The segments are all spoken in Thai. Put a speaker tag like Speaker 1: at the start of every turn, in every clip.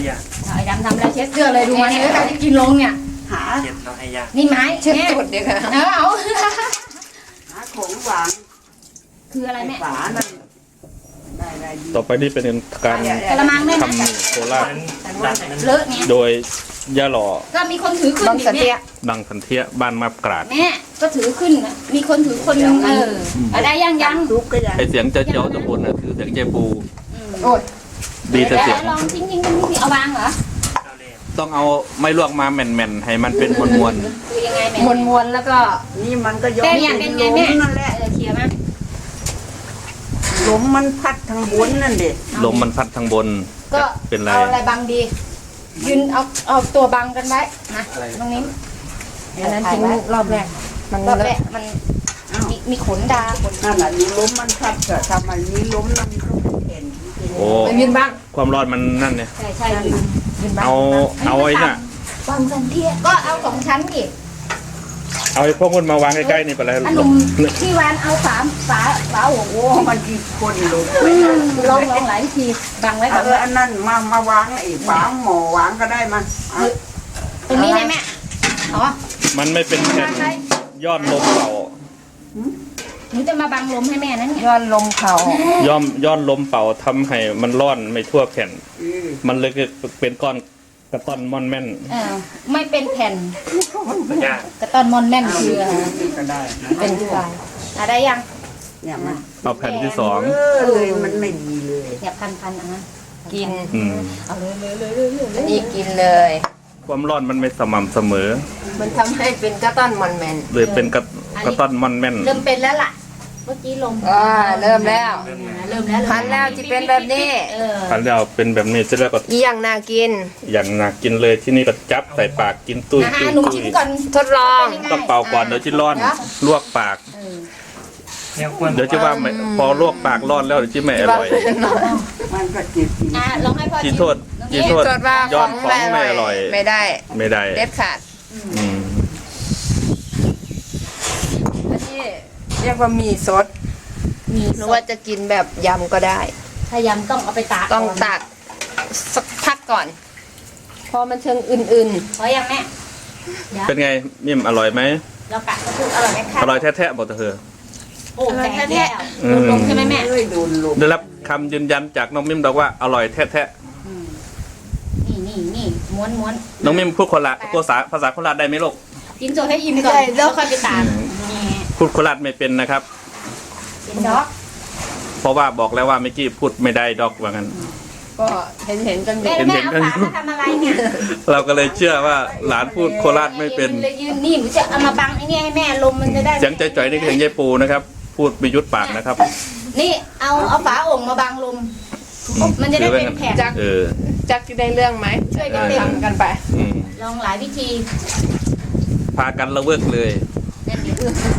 Speaker 1: ยา
Speaker 2: ไอ้ดำทำอะไรเช็ดเสื้อเลยดูมันเนี่ยการจะกินลงเนี่ย
Speaker 3: หา
Speaker 1: เช็ดเราให้ยา
Speaker 2: นี่ไม้
Speaker 4: เช็ดจุดเดียวค่ะ
Speaker 2: เอา
Speaker 3: หาของหวาน
Speaker 2: คืออะไรแม่
Speaker 3: ฝานั่นได้
Speaker 5: ต่อไปนี่เป็นการ
Speaker 2: กระมังแม่
Speaker 5: ทำโคราช
Speaker 1: ดัดนั้น
Speaker 2: เลอะเนี่ย
Speaker 5: โดยย่าหล่อ
Speaker 2: ก็มีคนถือขึ้น
Speaker 4: บางสันเทีย
Speaker 5: ดังสันเทียบ้านมาบกราด
Speaker 2: แม่ก็ถือขึ้นนะมีคนถือคนนึงได้ยัง
Speaker 3: ทุกก็ยัง
Speaker 5: ไอเสียงเจ้าตะบนน่ะคือเสียงเจปู
Speaker 4: โอ้ย
Speaker 5: ดีแต่เสียง
Speaker 2: ลองทิ้งเอาวางเหรอ
Speaker 1: เราเล่น
Speaker 5: ต้องเอาไม่ลวกมาแม่นๆให้มันเป็นมวล
Speaker 2: คือยังไงแม่
Speaker 4: มวนแล้วก็
Speaker 3: นี่มันก็ย้อ
Speaker 2: เป็น
Speaker 3: ม
Speaker 2: ไงเป็นไงแม่
Speaker 3: นั่นแหละ
Speaker 2: เคลียร์มั้ย
Speaker 3: ลมมันพัดทางบนนั่นเด็
Speaker 5: ๆลมมันพัดทางบน
Speaker 2: ก็
Speaker 5: เป็นไร
Speaker 2: เอาอะไรบังดียืนเอาตัวบังกันไว้นะตรงนี้
Speaker 4: อันนั้นทิ้งรอบแรกมัน
Speaker 2: ก็
Speaker 4: เล
Speaker 2: แบ
Speaker 4: อะ
Speaker 2: บมันมีขนดาขน
Speaker 3: นั่นแหละนี่ลมมันพัดเกิดทำมันนี้ล้มนั่นมันก็เห็น
Speaker 5: โอ้
Speaker 4: ไปยืนบ้าง
Speaker 5: ความร้อนมันนั่นเนี่ย
Speaker 2: ใช่ยืน
Speaker 4: ยืนบ้าง
Speaker 5: เอาไอ้น่ะ
Speaker 2: บังกันเทียก็เอา2 ชั้นดิ
Speaker 5: เอาไอ้พวกมันมาวางใกล้ๆนี่ไปแล้ว
Speaker 2: อันนุ่มที่วานเอาฝาหัวโว้
Speaker 3: โอ้มันกี่คนลงไป
Speaker 2: ลองหลายทีบังไว้ก่อน
Speaker 3: อันนั้นมาวางไอ้ฝาหม้อวางก็ได้มา
Speaker 2: ตรงนี้เลยแม่อ๋อ
Speaker 5: มันไม่เป็นแผ่นยอดลมเป่า
Speaker 2: หนูจะมาบังลมให้แม่นั่นเนี่ย
Speaker 4: ย้อนลมเข่า
Speaker 5: ย้อนลมเป่าทำให้มันร้อนไม่ทั่วแผ่น มันเลยเป็นก้อนกระต้อนม่อนแม่น
Speaker 2: ไม่เป็นแผ่น
Speaker 1: ยาก
Speaker 2: กระต้อนมอนแม่นคืออะไร
Speaker 3: ก็ได้
Speaker 4: เป็นลาย
Speaker 2: ได้ยัง
Speaker 3: เนี่ยมัน
Speaker 5: เอาแผ่นที่สอง
Speaker 3: เลยมันไม่ดีเลย
Speaker 2: เนี่ยพันอ่ะ
Speaker 4: กิน
Speaker 5: อืม
Speaker 2: เอาเลย
Speaker 4: อันนี้กินเลย
Speaker 5: ความร้อนมันไม่สม่ำเสมอ
Speaker 4: มันทำให้เป็นกระต้อนมอนแมน
Speaker 5: เลยเป็นกระต้อนม่อนแม่น
Speaker 2: เริ่มเป็นแล้วล่ะ เมื่อกี้ลม
Speaker 4: เริ่มแล้ว
Speaker 2: เริ่มแล้ว
Speaker 4: พันแล้วจะเป็นแบบนี้
Speaker 5: อันแล้วเป็นแบบนี้จะแล้วก็
Speaker 4: อีอย่างน่ากิน
Speaker 5: อย่างหนักกินเลยที่นี่ก็จับใส่ปากกินตุ้ยตุ้ย
Speaker 2: หนุ่ม
Speaker 5: ตุ้
Speaker 2: ชิม
Speaker 5: ย
Speaker 2: ก่อน
Speaker 4: ทดลอง
Speaker 5: ต้องเป่าก่อนเดี๋ยวจะร้อนลวกปาก
Speaker 1: เนี่ยควร
Speaker 5: เดี๋ยวจะว่าไม่พอลวกปากร้อนแล้วเดี๋ยวจะไม่อร่อย
Speaker 3: มันก็เจ็บจริง
Speaker 2: ลองให้พ่อ
Speaker 5: จีโทษจีโทษ
Speaker 4: ทดว่า
Speaker 5: ย้
Speaker 4: ข
Speaker 5: อ
Speaker 4: อน ง
Speaker 5: ของไม่อร่อย
Speaker 4: ไม่ได้
Speaker 5: ไม่ได้
Speaker 4: เด็ดขาด
Speaker 5: อืม
Speaker 4: อันนี้เรียกว่ามีสด
Speaker 2: มี
Speaker 4: หรือว่าจะกินแบบยำก็ได้
Speaker 2: ถ้ายำต้องเอาไปตาก
Speaker 4: ต้องตักสักพักก่อน พอมันเชิงอื่น
Speaker 2: พอยังแม่
Speaker 5: เป็นไงมิ่มอร่อยไหม
Speaker 2: เรากะก็คืออร่อยไหมคะ
Speaker 5: อร่อยแท้ๆบอกเธอ
Speaker 2: โอ้แท้แท้ลงใช่ไหมแม่
Speaker 3: เลยโดนลม
Speaker 5: ได้รับคำยืนยันจากน้องมิ่มบอกว่าอร่อยแท้
Speaker 2: นี่ม้วน
Speaker 5: ๆน้องมิ่มพูดภาษาโคราชได้ไหมลูก
Speaker 2: กินโซให้อิ่มก่อนแล้วค่อยไปตากนี่
Speaker 5: พูดโคราชไม่เป็นนะครับ
Speaker 2: เป็นด็อก
Speaker 5: เพราะว่าบอกแล้วว่าเมื่อกี้พูดไม่ได้ดอกว่างั้น
Speaker 4: ๆ ก็เห็นกันอยู่
Speaker 2: แม่เอาฝามาทำอะไรเนี่ย
Speaker 5: เราก็เลยเชื่อว่าหลานพูดโคราชไม่เป็น
Speaker 2: เลยยืนนี่หนูจะเอามาบังไอ้นี่ให้แม่ลมมันจะได้
Speaker 5: เสียงใจจ่อยนี่คือเสียงยายปูนะครับ พูดไม่ยุดปากนะครับ
Speaker 2: นี่เอาฝาโอ่งมาบังลม มันจะได้เป็นแผ่น
Speaker 5: เออ
Speaker 4: จักได้เรื่องไหม
Speaker 2: ช่วยกันเต็ม
Speaker 4: ทำกันไป
Speaker 5: อืม
Speaker 2: ลองหลายวิธี
Speaker 5: พากันระเวิกเลย
Speaker 2: นั่นดิ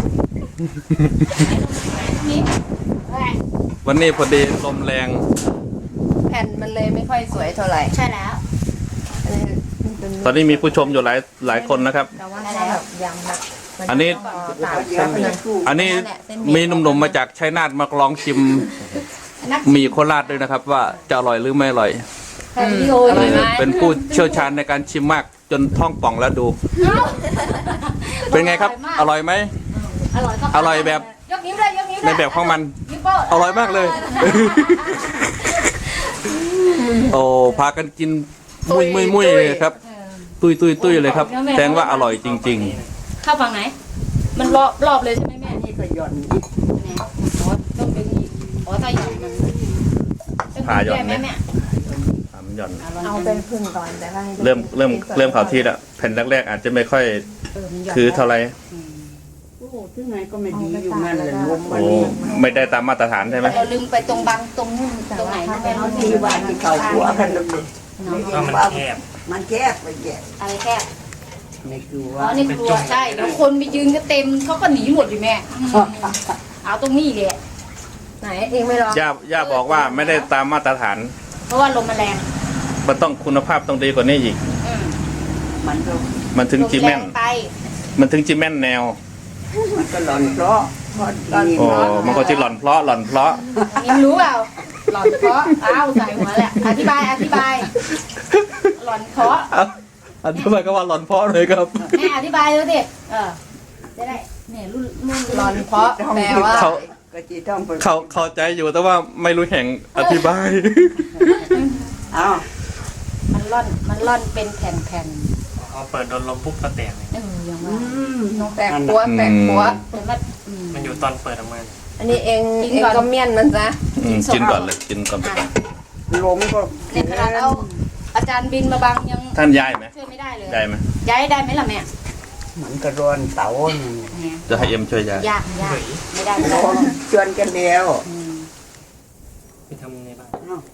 Speaker 2: นี่
Speaker 5: วันนี้พอดีลมแรง
Speaker 4: แผ่นมันเลยไม่ค่อยสวยเท่าไหร่
Speaker 2: ใช่แล้ว
Speaker 5: ตอนนี้มีผู้ชมอยู่หลายคนนะครับ
Speaker 4: แต่ว่าถ้าแบบยำแบบ
Speaker 5: อันนี้
Speaker 4: ตาก
Speaker 3: เดี๋ยวไปสู้
Speaker 5: อันนี้มีหนุ่มๆมาจากชัยนาทมาลองชิมหมี่โคราชด้วยนะครับ ว่าจะอร่อยหรือไม่อร่อย
Speaker 2: ถ่ายวิดีโอ
Speaker 4: อร่อยไหม
Speaker 5: เป็นผู้เชี่ยวชาญในการชิมมากจนท้องป่องแล้วดู เป็นไงครับ อร่อยไหม อร่อยแบบ
Speaker 2: ยกนิ้วเลยยกนิ้ว
Speaker 5: ในแบบของมัน อร่อยมากเลย โอ้พากันกินมุ้ยเลยครับ ตุ้ยเลยครับแสดงว่าอร่อยจริง
Speaker 2: เข้าฝั่งไหน มันรอบเลยใช่ไหมแม่
Speaker 3: นี่ก็หย่อน
Speaker 2: ต้องเป็นอีกถ้าหย่อนมัน
Speaker 5: พาหย่อนไหม
Speaker 2: แม่
Speaker 5: ๆทำหย่อน
Speaker 4: เอาเป็นพึ่งก่อนแต่ว่าให้
Speaker 5: เริ่มข่าวที่แล้วแผ่นแรกๆอาจจะไม่ค่อย
Speaker 2: มันหย่อน
Speaker 5: คือเท่าไหร่
Speaker 3: โอ้โหที่ไหนก็ไม่ดีอยู่นั่นเลยลม
Speaker 5: โอ้ไม่ได้ตามมาตรฐานใช่ไหม
Speaker 2: เราลืมไปตรงบังตรงนู่นตรงไหนนะแม่
Speaker 3: เขาดีว่าที่เขาหัวกันเลย
Speaker 1: ก็มันแคบ
Speaker 3: มันแคบไปแก่
Speaker 2: อะไรแคบ
Speaker 3: ไม่กลัว
Speaker 2: อ๋อนี่ครัวใช่เดี๋ยวคนไปยืนก็เต็มเขาก็หนีหมดอยู่แม่เอาตรงนี้เลย
Speaker 4: ไหนเองไม่ลอง
Speaker 5: ย่าบอกว่าไม่ได้ตามมาตรฐาน
Speaker 2: เพราะว่าลมมันแรง
Speaker 5: มันต้องคุณภาพต้องดีกว่านี้อีก
Speaker 3: มันก็
Speaker 5: มันถึงจีแม่น
Speaker 2: ลแรงไป
Speaker 5: มันถึงจีแม่นแนว
Speaker 3: มันก็หล่อนเพราะดี
Speaker 5: โอ้
Speaker 3: เนาะ
Speaker 5: มันก็จะหล่อนเพราะ
Speaker 2: นี่รู้เปล่าหลอดเพราะอ้าวใส่หัวแหละอธิบายหลอนเพราะ
Speaker 5: อธิบายก็ว่าหลอนเพราะเลยครับ
Speaker 2: แม่อธิบายดูสิจะได้เนี่ยรุ่น
Speaker 4: หลอนเพราะแปลว่า
Speaker 5: เขา
Speaker 3: กะจีต้องไป
Speaker 5: เข้าใจอยู่แต่ว่าไม่รู้แห่งอธิบาย
Speaker 3: อ้าว
Speaker 2: มันร่อนเป็นแผ่น
Speaker 1: พอเปิดโดนลมปุ๊บก็แตกเลย
Speaker 2: อย่าง
Speaker 3: อื
Speaker 2: ว่าม
Speaker 4: แปลกปัวแปลกปัว
Speaker 2: แต่ว่า
Speaker 1: มันอยู่ตอนเปิดออกมา
Speaker 4: อันนี้เองก็เมี่ยนมันซะ
Speaker 5: กินก่อนเลยกินก่อนไปก่อน
Speaker 3: ลมก็
Speaker 2: ในขนาดเอาอาจารย์บินมาบังยัง
Speaker 5: ท่านย้ายไหม
Speaker 2: ช่วยไม่ได้เลย
Speaker 5: ย้ายไหม
Speaker 2: ย้ายได้ไหมล่ะแม่
Speaker 3: มันกระรอนเต๋า
Speaker 2: เนี่ย
Speaker 5: จะให้เอ็มช่วยย้าย
Speaker 2: ยากไม่ได้
Speaker 3: ลมชวนกันแล้ว
Speaker 1: ไปทำในบ้าน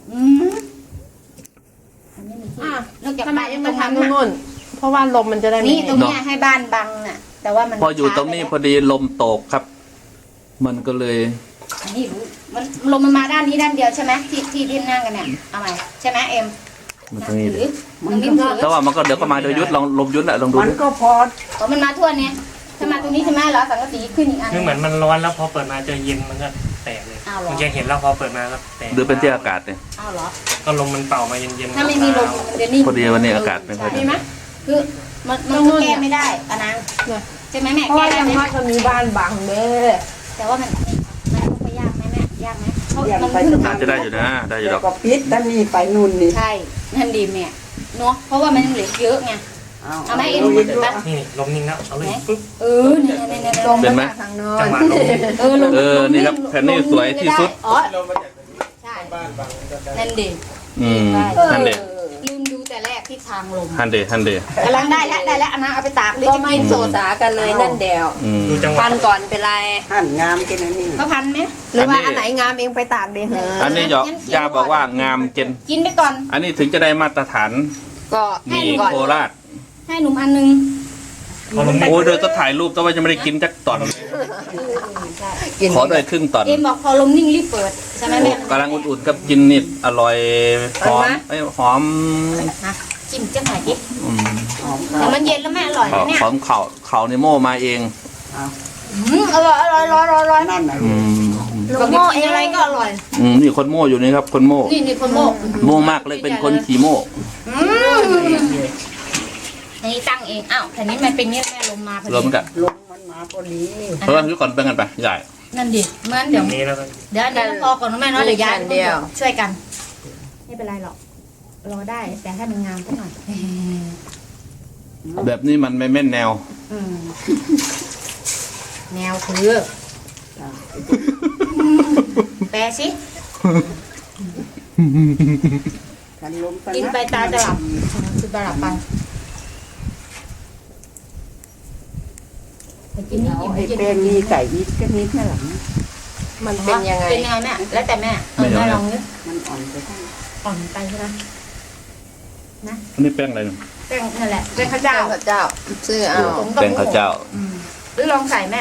Speaker 2: มันไม่มีที่
Speaker 4: อ่ะ
Speaker 2: นอกจาก
Speaker 4: ทำไม
Speaker 2: บ้าน
Speaker 4: ยัง
Speaker 2: ต
Speaker 4: มา
Speaker 2: รงนั้น
Speaker 4: ทำนู่นเพราะว่าลมมันจะได้ไม่
Speaker 2: นี่ตรงเนี้ยให้บ้านบังน่ะ แต่ว่ามัน
Speaker 5: พออยู่ตรงนี้พอดีลมตกครับ มันก็เลย
Speaker 2: นี่รู้มันลมมันมาด้านนี้ด้านเดียวใช่ไหมที่นั่งกันเนี่ยเอาใหม่ใช่ไหมเอ็ม
Speaker 5: มันตรงนี้เลย
Speaker 2: มันไม่ถือ
Speaker 5: แต่ว่ามันก็เดี๋ยวก็มาโดยยุทธลองลมยุทธแหละลองดู
Speaker 3: มัน
Speaker 5: ดิ
Speaker 3: ก็พอ
Speaker 2: เพราะมันมาทั่วเนี่ยถ้ามาตรงนี้ใช่ไหมเหรอสังกะสีขึ้นอีกอัน
Speaker 1: คือเหมือนมันร้อนแล้วพอเปิดมาเจอเย็นมันก็แตกเลย
Speaker 2: อ้าวเหรอ
Speaker 1: มันจะเห็นแล้วพอเปิดมาก็แตก
Speaker 5: หรือเป็นที่อากาศเนี่ย
Speaker 2: อ้าวเหรอ
Speaker 1: ก็ลมมันเป่ามาเย็นๆ
Speaker 2: ถ้าไม่มีลมมันจะนิ่ง
Speaker 5: พอดีวันนี้อากาศไม่ค่อยดี
Speaker 2: ใช่ไหมคือมันก็แก้ไม่ได้อะนะใช่ไหมแม่
Speaker 4: เพราะ
Speaker 2: แก้
Speaker 4: ว่า
Speaker 2: ได้
Speaker 4: ยัง
Speaker 2: ไหม
Speaker 4: ว่าจะมีบ้านบังเด้อ
Speaker 2: แต่ว่ามันต้องไปยากไหมแม่ยากไหมเพราะมัน
Speaker 5: อา
Speaker 2: ขึ้น
Speaker 5: จจะได้อยู่นะได้อยู่หร
Speaker 3: แล้
Speaker 5: อ
Speaker 3: ว
Speaker 5: ก
Speaker 3: ก็ปิดด้านนี้ไปนู่นนี่
Speaker 2: ใช่นั่นดีแม่เนาะเพราะว่ามันยังเหลือเยอะไง เอาไหมเอ็ม
Speaker 3: อีกด้วย
Speaker 1: นี่ลมนิ่งแล้วเอาเลยปุ๊บ
Speaker 2: เนี่ยลม
Speaker 4: ลมมาจากทางโน้
Speaker 1: จั
Speaker 4: น
Speaker 1: งหวะลม
Speaker 2: ลม
Speaker 5: นี่ครับแผ่นนี้สวยที่สุด
Speaker 2: อ๋อใช่นั่นดี
Speaker 5: ฮันเด
Speaker 2: ลืมดูแต่แรกที่ทางลม
Speaker 5: ฮันเดฮันเด
Speaker 2: กำลังได้แล้วอันนั้นเอาไปตากหรือ
Speaker 4: ก็
Speaker 2: จะ
Speaker 4: ไม่
Speaker 2: กิน
Speaker 4: โซสากันเลยนั่นเดียว
Speaker 1: ดูจังหวะ
Speaker 4: พันก่อนเป็นไร
Speaker 3: หั่นงามกันนะนี่
Speaker 2: เขาพันไหม
Speaker 4: หรือว่าอันไหนงามเองไปตากเดี๋ยวเหอะ
Speaker 5: อันนี้ยาบอกว่างามเจน
Speaker 2: กินไปก่อน
Speaker 5: อันนี้ถึงจะได้มาตรฐาน
Speaker 4: ก็
Speaker 5: มี
Speaker 4: ก่อน
Speaker 5: โคราช
Speaker 2: ให้หนุ่มอันนึง
Speaker 1: พอลมนิ่ง
Speaker 5: โอ้ยเดี๋ยวจะถ่ายรูปแต่ว่ายังไม่ได้กินจักตอน
Speaker 4: กิน
Speaker 5: ขอได้ครึ่งตอน
Speaker 2: เอ็มบอกพอลมนิ่งรีบเปิดใช่ไหมแม่
Speaker 5: กำลังอุ่นๆครับกินนิดอร่อยหอมหอม
Speaker 2: จิ้มจังหน่อยดิ
Speaker 5: อืม
Speaker 2: เดี๋ยวมันเย็นแล้วแม่อร่อยนะเนี่ย
Speaker 5: หอมเขาในโม่มาเอง
Speaker 2: อร่อย
Speaker 3: นั่นน่ะ
Speaker 5: อืม
Speaker 2: ลูกโม่เองอะไรก็อร่อย
Speaker 5: นี่คนโม่อยู่นี่ครับ คนโม่
Speaker 2: นี่คนโม่
Speaker 5: โม่มากเลยเป็นคนขี่โม่
Speaker 2: อันนี้ตั้งเองอ้าวแต่นี้มันเป็นเนี่ยแม่ลมมาพอ
Speaker 5: รวม
Speaker 2: ดี
Speaker 5: กัน
Speaker 3: ลมมันมาพอดี
Speaker 5: เพราะว่าทุกคนเป็นกันไปใหญ่
Speaker 2: นั่นดิเมื่อ
Speaker 1: อ
Speaker 2: เดี๋ยว
Speaker 1: ย่างนี้แล้วก็
Speaker 2: เดี๋ยวพอก่อนนะแม่เนาะเดี๋ยวย้ายช่วยกัน ไม่เป็นไรหรอกรอได้แต่ให้มันงามสักหน่อย
Speaker 5: แบบนี้มันไม่แม่นแนว
Speaker 2: แนวคือแปลสิ
Speaker 3: กันลม
Speaker 2: กินไปตาจะหลับคือตาหลับไปกินนี่
Speaker 3: เอา
Speaker 2: กิน
Speaker 3: ไอ้
Speaker 2: กิน
Speaker 3: แป้งมีไก่อีกก็นิดแค่หลัง
Speaker 4: มันเป็นยังไง
Speaker 2: เป็นยังไงแม่แล้วแต่แม่แม่ลองนึก
Speaker 3: มันอ่อนไปทั้ง
Speaker 2: อ่อนไปใช่ไหม
Speaker 5: อันนี้แป้งอะไรเนี่ย
Speaker 2: แป้งนั่นแหละแป้งข้าวเจ้า
Speaker 4: เจ้าพระเจ้าซื้อเอา
Speaker 5: แป้งข้าวเจ้า
Speaker 2: หรือลองใส่แม่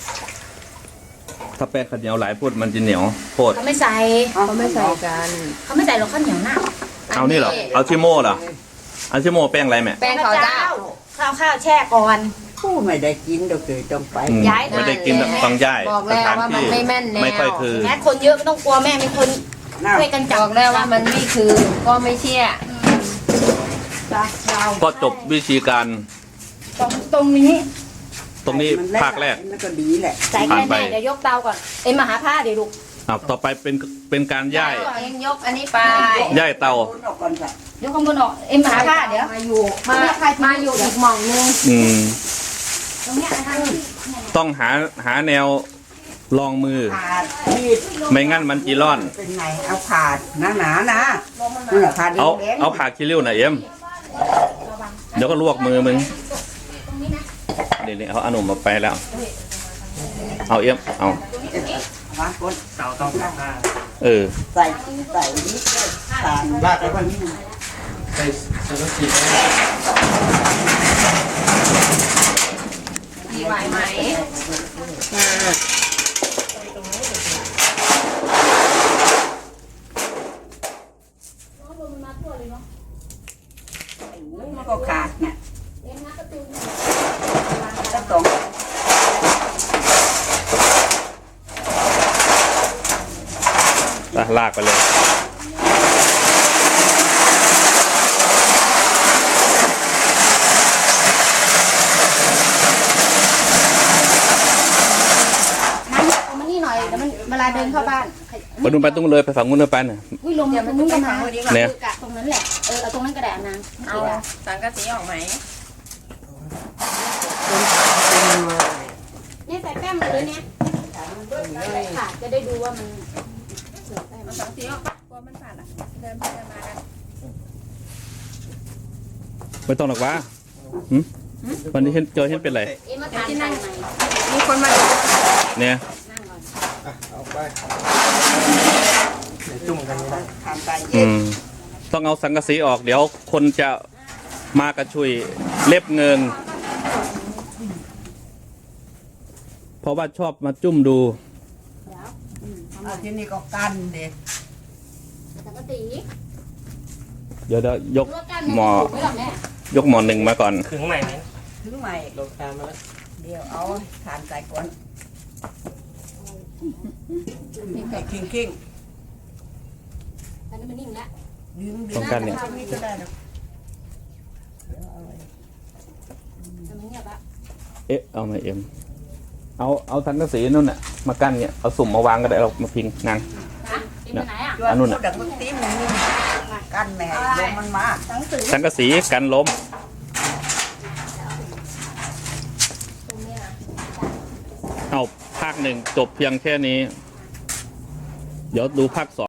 Speaker 5: ถ้าแป้งข้าวเหนียวหลายพูดมันจะเหนียวโพด
Speaker 2: เขาไม่ใส่
Speaker 4: เขาไม่ใส่กัน
Speaker 2: เขาไม่ใส่หรอกข้าวเหนียวหน้า
Speaker 5: เอานี่เหรอเอาชิโม่เหรอเอาชิโม่แป้งอะไรแม่
Speaker 4: แป้งข้าวเจ้า
Speaker 2: ข้าวแช่ก่อน
Speaker 3: ผู้ไม่ได้กินเดี๋ยวเคยต้องไป
Speaker 5: อืม
Speaker 2: ย้าย
Speaker 5: ไม่ได้กินแบบต้องย้าย
Speaker 4: บอกแล้วว่ามันไม่แม่นแนว
Speaker 5: ไม่ค่อยคือ
Speaker 2: แม้คนเยอะไม่ต้องกลัวแม่มีคน
Speaker 3: น่า
Speaker 2: ช่วยกันจั
Speaker 4: บอกแล้วว่ามันไม่คือก็ไม่เชื่อ
Speaker 2: เรา
Speaker 5: ก็จบวิธีการ
Speaker 2: ตรงนี้
Speaker 5: ตรงนี้ภาคแรก
Speaker 3: มันก็ดีแหละ
Speaker 2: ใส่แค่แม่เดี๋ยวยกเตาก่อนเอ็มมาหาผ้าเดี๋ยวลูก
Speaker 5: ต่อไปเป็นการย่าย
Speaker 4: เองยกอันนี้ไป
Speaker 5: ย่ายเตา
Speaker 3: โดนออกก่อนจ้ะ
Speaker 2: ยกข้างบนออกเอ็มมาหาผ้าเดี๋ยว
Speaker 4: มาอยู่มาอยู่อีกหม่องนึง
Speaker 5: อืม
Speaker 2: ตรงเนี้ยนะคะ
Speaker 5: ต้องหาแนวลองมือ
Speaker 3: ผ่ามีด
Speaker 5: ไม่งั้นมันจีร่อน
Speaker 3: เป็นไงเอาผ่าหนาๆนะนี่แหละผ่าแด
Speaker 5: เอา
Speaker 3: ง
Speaker 5: เอาผ่าคิริ้วหน่อยเอ็มเดี๋ยวก็ลวกมือมึง
Speaker 2: ตรงนี้นะ
Speaker 5: นี่เอาอนุมาไปแล้ว เอาเอ็มเอา
Speaker 3: ๆมาคน
Speaker 1: เตาต้องผ่าผ้า
Speaker 3: ใส่นิดเลยผ่านลากไปวันนี้
Speaker 1: ใส่สารพี
Speaker 4: ดีไหวไหม
Speaker 3: มันก็ขาดเนี่ยสักสอง
Speaker 5: ลากไปเลย
Speaker 2: เดินเข้าบ้าน
Speaker 5: ไปนู่นไปตรงเลยไปฝั่งนู้นเลยไปน่ะ
Speaker 2: อุ้ยลงตรงนู้นก็มา
Speaker 5: เนี่ย
Speaker 2: กะตรงนั้นแหละเอาตรงนั้นก็ได้นาง
Speaker 4: เอาสังกะสีออกไหม
Speaker 2: เนี่ยใส่แป้งเลยเนี่ยค่ะจะได้ดูว่ามันเสือแป้ง
Speaker 4: เอาสังกะสีออกปะกลัวมันผ่านอ่ะเดินไปเดินมากัน
Speaker 5: ไม่ต้องหรอกวะหึวันนี้เห็นเจอเห็นเป็นไร
Speaker 2: เอ็มมาทานใส่ไหม
Speaker 4: มีคนมาดู
Speaker 5: เนี่ย
Speaker 2: นั่งก่อน
Speaker 3: เอาไป
Speaker 1: เดี๋ยวจุ่มกันไม่ได้
Speaker 3: ทานไปเย็
Speaker 5: อื
Speaker 3: น
Speaker 5: มต้องเอาสังกะสีออกเดี๋ยวคนจะมากระชุยเล็บเงิน เพราะว่าชอบมาจุ่มดู
Speaker 3: เอาที่นี่ก็กันเด็
Speaker 2: ปกติ
Speaker 5: เดี๋ยวยก
Speaker 2: ว่าการ
Speaker 5: หมอ
Speaker 2: ไม่หรอกแม่
Speaker 5: ยกหมอหนึ่งมาก่อน
Speaker 1: ถึงใหม่ไหม
Speaker 3: ถึงใหม่
Speaker 1: ลงตามมาแล้ว
Speaker 3: เดี๋ยวเอาทานใส่ก่อนให้คิง
Speaker 2: อันนี้มันนิ่งแล้ว
Speaker 3: ๆดึง
Speaker 5: ต้องกันเนี่ย
Speaker 3: ทำนี่ก็ได้นะ
Speaker 2: มันเงียบละ
Speaker 5: เอ๊ะเอามาเอ็มเอาสังกะสีนู่นน่ะมากั้นเนี่ยเอาสุ่มมาวางก็ได้เรามาพิงนาง
Speaker 2: นะเอ็มไปไหนอ่ะ
Speaker 3: ช่วยพูดดังมึงตีมึงนี่กันแม่ลมมันมา
Speaker 2: หนังสือ
Speaker 5: สังกะสีกันล้ม
Speaker 2: ตรงนี้นะ
Speaker 5: เอาภาคหนึ่งจบเพียงแค่นี้ เดี๋ยวดูภาคสอง